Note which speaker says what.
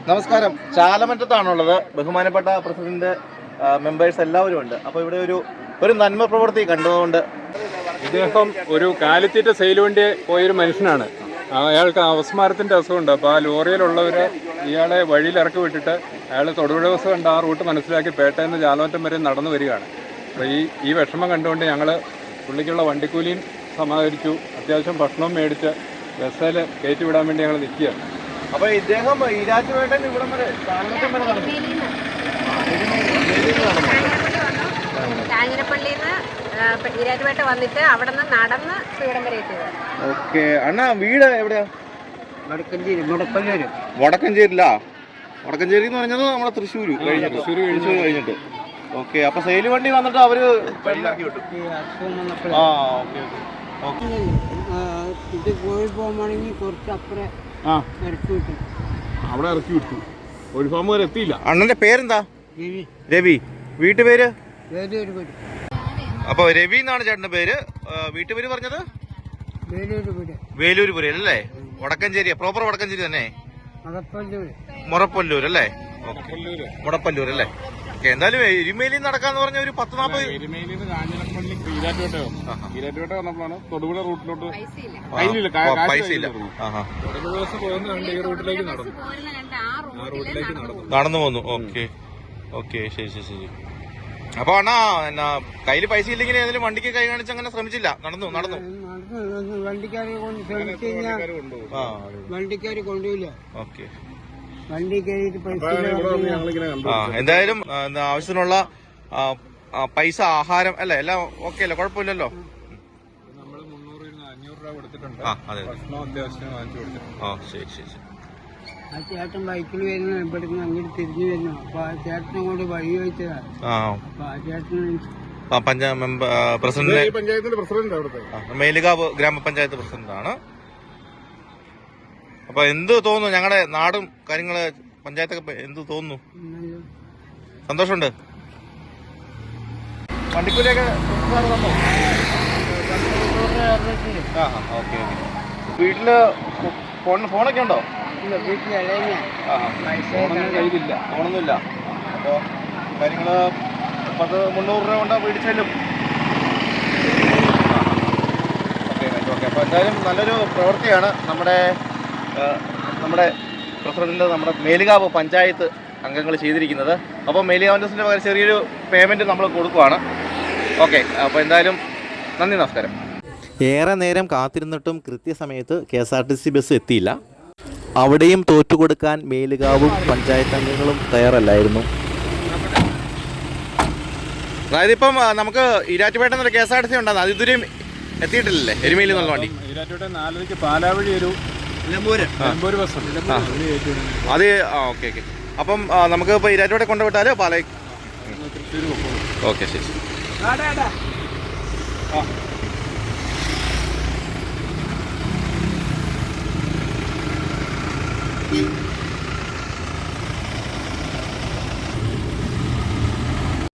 Speaker 1: നമസ്കാരം. ചാലമറ്റത്താണുള്ളത്. ബഹുമാനപ്പെട്ട president, members എല്ലാവരും ഉണ്ട്. അപ്പോൾ ഇവിടെ ഒരു നന്മ പ്രവൃത്തി കണ്ടുകൊണ്ട്
Speaker 2: ഇദ്ദേഹം ഒരു കാലിത്തീറ്റ സെയിൽ വേണ്ടി പോയൊരു മനുഷ്യനാണ്. അയാൾക്ക് അവസ്മാരത്തിൻ്റെ അസുഖമുണ്ട്. അപ്പോൾ ആ ലോറിയിലുള്ളവർ ഇയാളെ വഴിയിൽ ഇറക്കി വിട്ടിട്ട് അയാൾ തൊടുപുഴ ബസ് കണ്ട് ആ റൂട്ട് മനസ്സിലാക്കി പേട്ടയിൽ നിന്ന് ചാലമറ്റം വരെ നടന്നു വരികയാണ്. അപ്പോൾ ഈ വിഷമം കണ്ടുകൊണ്ട് ഞങ്ങൾ പുള്ളിക്കുള്ള വണ്ടിക്കൂലിയും സമാഹരിച്ചു, അത്യാവശ്യം ഭക്ഷണവും മേടിച്ച് ബസ്സിൽ കയറ്റി വിടാൻ വേണ്ടി ഞങ്ങൾ നിൽക്കുകയാണ്.
Speaker 1: അപ്പോൾ ഇദ്ദേഹം ഈരാറ്റുപേട്ടൻ ഇവിടം വരെ ചാലമറ്റം വരെ നടന്നു.
Speaker 3: കാഞ്ഞിരപ്പള്ളിയിൽ നിന്ന് ഈരാറ്റുപേട്ട വന്നിട്ട് അവിടെ നിന്ന് നടന്ന് ഇവിടം വരെ എത്തിയത്.
Speaker 1: ഓക്കെ അണ്ണാ, വീട് എവിടെയാ?
Speaker 3: വടക്കഞ്ചേരി.
Speaker 1: വടക്കഞ്ചേരി എന്ന് പറഞ്ഞത് നമ്മുടെ തൃശ്ശൂർ കഴിഞ്ഞിട്ട്. ഓക്കെ, അപ്പൊ സെയിൽ വണ്ടി വന്നിട്ട് അവര്
Speaker 3: ഇത് കോഴി പോകുമ്പോഴെങ്കിൽ കുറച്ച് അപ്പുറം ഇറക്കി വിട്ടു.
Speaker 2: അവിടെ ഇറക്കി വിട്ടു. ഒരു ഫാം വരെ എത്തിയില്ല.
Speaker 1: അണ്ണന്റെ പേരെന്താ? രവി. വീട്ടുപേര്? അപ്പൊ രവി എന്നാണ് ചേട്ടന്റെ പേര്. വീട്ടുപേര് പറഞ്ഞത് വേലൂര് അല്ലേ? വടക്കഞ്ചേരി, പ്രോപ്പർ വടക്കഞ്ചേരി തന്നെ. മുറപ്പല്ലൂർ അല്ലേ? മുടപ്പല്ലൂർ അല്ലേ? ഓക്കെ, എന്തായാലും എരുമേലി നടക്കാന്ന് പറഞ്ഞ ഒരു 10-40
Speaker 2: ഈരാറ്റുപേട്ട വന്നപ്പോഴാണ് തൊടുപുഴ റൂട്ടിലോട്ട്
Speaker 1: പൈസ ഇല്ല. നടന്നു പോന്നു. ഓക്കെ ശരി. അപ്പൊ അണ്ണാ കയ്യില് പൈസ ഇല്ലെങ്കിൽ ഏതെങ്കിലും വണ്ടിക്ക് കൈ കാണിച്ച് അങ്ങനെ ശ്രമിച്ചില്ല? നടന്നു
Speaker 3: വണ്ടിക്കാര് കൊണ്ടുപോയില്ല.
Speaker 1: ഓക്കെ,
Speaker 3: വണ്ടി കയറിയിട്ട് പൈസ.
Speaker 1: എന്തായാലും ആവശ്യത്തിനുള്ള പൈസ, ആഹാരം അല്ലേ, എല്ലാം ഓക്കെ അല്ലേ? കുഴപ്പമില്ലല്ലോ.
Speaker 2: നമ്മള് 300-500 രൂപ കൊടുത്തിട്ടുണ്ട്.
Speaker 1: ശരി.
Speaker 3: ആ ചേട്ടൻ ബൈക്കിൽ വരുന്ന ഇവിടുന്ന് അങ്ങോട്ട് തിരിഞ്ഞു വരുന്നു. അപ്പൊ ആ ചേട്ടനെ കൊണ്ട് വഴി ചോദിച്ചതാണ്. അപ്പൊ ആ ചേട്ടന്
Speaker 1: മേലുകാവ് ഗ്രാമപഞ്ചായത്ത് പ്രസിഡന്റാണ്. അപ്പൊ എന്ത് തോന്നുന്നു ഞങ്ങളുടെ നാടും കാര്യങ്ങള്, പഞ്ചായത്തൊക്കെ എന്ത് തോന്നുന്നു? സന്തോഷമുണ്ട്. വണ്ടിക്കൂലിയൊക്കെ ഓക്കെ. വീട്ടില് ഫോണൊക്കെ ഉണ്ടോ? ഫോണൊന്നുമില്ല. അപ്പോ കാര്യങ്ങള് 300 രൂപ കൊണ്ട് മേടിച്ചാലും ഓക്കെ. അപ്പൊ എന്തായാലും നല്ലൊരു പ്രവൃത്തിയാണ് നമ്മുടെ പ്രസിഡന്റ്, നമ്മുടെ മേലുകാവ് പഞ്ചായത്ത് അംഗങ്ങൾ ചെയ്തിരിക്കുന്നത്. അപ്പോൾ മേലുകാവിൻ്റെ പകരം ചെറിയൊരു പേയ്മെന്റ് നമ്മൾ കൊടുക്കുവാണ്. ഓക്കെ, അപ്പോൾ എന്തായാലും നന്ദി, നമസ്കാരം. ഏറെ നേരം കാത്തിരുന്നിട്ടും കൃത്യസമയത്ത് KSRTC ബസ് എത്തിയില്ല. അവിടെയും തോറ്റുകൊടുക്കാൻ മേലുകാവും പഞ്ചായത്ത് അംഗങ്ങളും തയ്യാറല്ലായിരുന്നു. അതായത് ഇപ്പം നമുക്ക് ഈരാറ്റുപേട്ട എന്നൊരു KSRTC ഉണ്ടാകുന്നത് അത് ഇതുവരെയും എത്തിയിട്ടില്ലല്ലേ? എരുമേലി എന്നുള്ള വണ്ടി
Speaker 2: ഈരാറ്റുപേട്ട 4 പാലാവഴി ഒരു നിലമ്പൂര് ബസ് ഉണ്ട്.
Speaker 1: അത് ഓക്കെ. അപ്പം നമുക്ക് ഇപ്പോൾ ഈരാറ്റുപേട്ട കൊണ്ടുവിട്ടാൽ പാലായി. ഓക്കെ, ശരി.